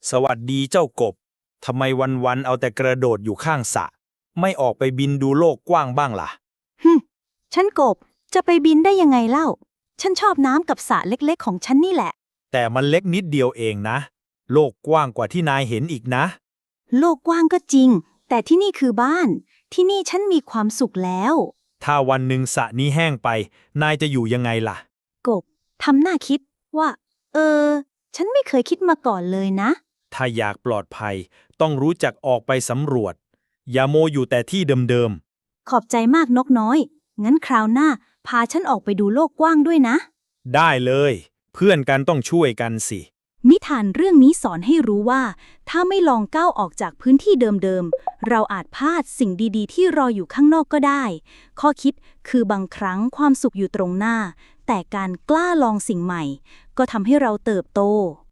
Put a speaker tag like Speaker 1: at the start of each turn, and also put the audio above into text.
Speaker 1: สวัสดีเจ้ากบ ทำไมวันๆเอาแต่กระโดดอยู่ข้างสระไม่ออกไปบินดูโลกกว้างบ้างล่ะ
Speaker 2: ฉันกบจะไปบินได้ยังไงเล่า ฉันชอบน้ำกับสระเล็กๆของฉันนี่แหละ
Speaker 1: แต่มันเล็กนิดเดียวเองนะ โลกกว้างกว่าที่นายเห็นอีกนะ
Speaker 2: โลกกว้างก็จริง แต่ที่นี่คือบ้าน ที่นี่ฉันมีความสุขแล้ว
Speaker 1: ถ้าวันหนึ่งสระนี้แห้งไป นายจะอยู่ยังไงล่ะ
Speaker 2: กบทำหน้าคิดว่า ฉันไม่เคยคิดมาก่อนเลยนะ
Speaker 1: ถ้าอยากปลอดภัย ต้องรู้จักออกไปสำรวจ อย่าโมอยู่แต่ที่เดิม
Speaker 2: ขอบใจมากนกน้อย งั้นคราวหน้า พาฉันออกไปดูโลกกว้างด้วยนะ
Speaker 1: ๆ ได้เลย เพื่อนกันต้องช่วยกันสิ
Speaker 2: นิทานเรื่องนี้สอนให้รู้ว่า ถ้าไม่ลองก้าวออกจากพื้นที่เดิมๆ เราอาจพลาดสิ่งดีๆ ที่รออยู่ข้างนอกก็ได้ ข้อคิดคือบางครั้งความสุขอยู่ตรงหน้า แต่การกล้าลองสิ่งใหม่ ก็ทำให้เราเติบโต